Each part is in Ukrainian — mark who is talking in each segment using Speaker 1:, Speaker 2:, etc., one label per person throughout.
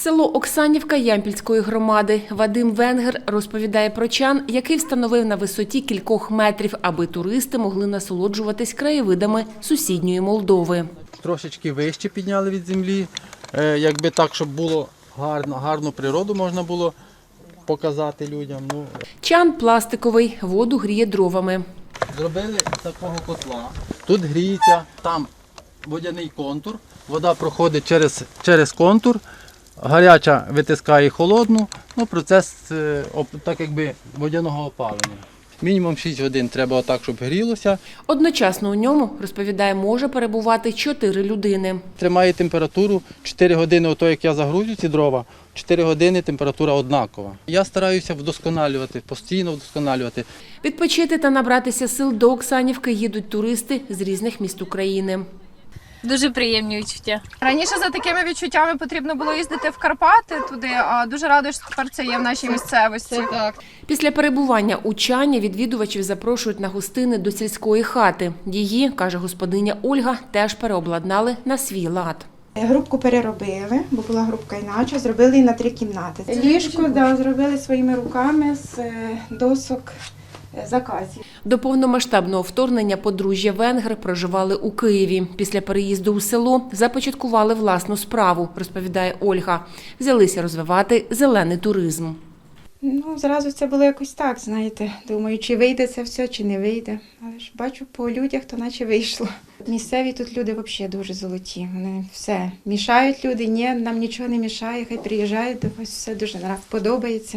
Speaker 1: Село Оксанівка Ямпільської громади. Вадим Венгер розповідає про чан, який встановив на висоті кількох метрів, аби туристи могли насолоджуватись краєвидами сусідньої Молдови.
Speaker 2: Трошечки вище підняли від землі, якби так, щоб було гарну природу можна було показати людям.
Speaker 1: Чан пластиковий, воду гріє дровами.
Speaker 2: Зробили такого котла. Тут гріється, там водяний контур, вода проходить через контур, гаряча витискає холодну, процес так якби водяного опалення. Мінімум 6 годин треба отак, щоб грілося.
Speaker 1: Одночасно у ньому, розповідає, може перебувати 4 людини.
Speaker 2: Тримає температуру 4 години, ото як я загрузю ці дрова, 4 години температура однакова. Я стараюся вдосконалювати, постійно вдосконалювати.
Speaker 1: Відпочити та набратися сил до Оксанівки їдуть туристи з різних міст України.
Speaker 3: Дуже приємні відчуття.
Speaker 4: Раніше за такими відчуттями потрібно було їздити в Карпати туди, а дуже рада, що тепер це є в нашій місцевості.
Speaker 1: Після перебування у чані відвідувачів запрошують на гостини до сільської хати. Її, каже господиня Ольга, теж переобладнали на свій лад.
Speaker 5: Грубку переробили, бо була грубка інакше, зробили її на 3 кімнати. Ліжко зробили своїми руками з досок заказів.
Speaker 1: До повномасштабного вторгнення подружжя Венгер проживали у Києві. Після переїзду у село започаткували власну справу, розповідає Ольга. Взялися розвивати зелений туризм.
Speaker 5: Зразу це було якось так, знаєте. Думаю, чи вийде це все, чи не вийде. Але ж бачу по людях, то наче вийшло. Місцеві тут люди взагалі дуже золоті. Вони все мішають люди, ні, нам нічого не мішає, хай приїжджають до вас, все дуже подобається.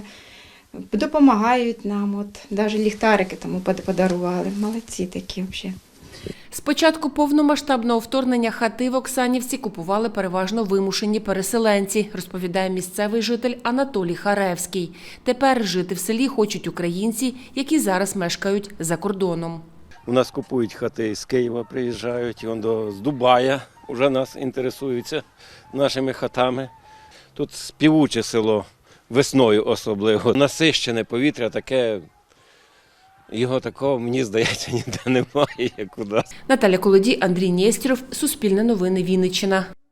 Speaker 5: Допомагають нам, навіть ліхтарики тому подарували. Молодці такі взагалі.
Speaker 1: З початку повномасштабного вторгнення хати в Оксанівці купували переважно вимушені переселенці, розповідає місцевий житель Анатолій Харевський. Тепер жити в селі хочуть українці, які зараз мешкають за кордоном.
Speaker 6: У нас купують хати з Києва, приїжджають, з Дубая вже нас інтересуються нашими хатами. Тут співуче село, весною особливо. Насищене повітря таке, його такого, мені здається, ніде немає, як у нас.
Speaker 1: Наталя Колодій, Андрій Нєстєров, Суспільне новини, Вінниччина.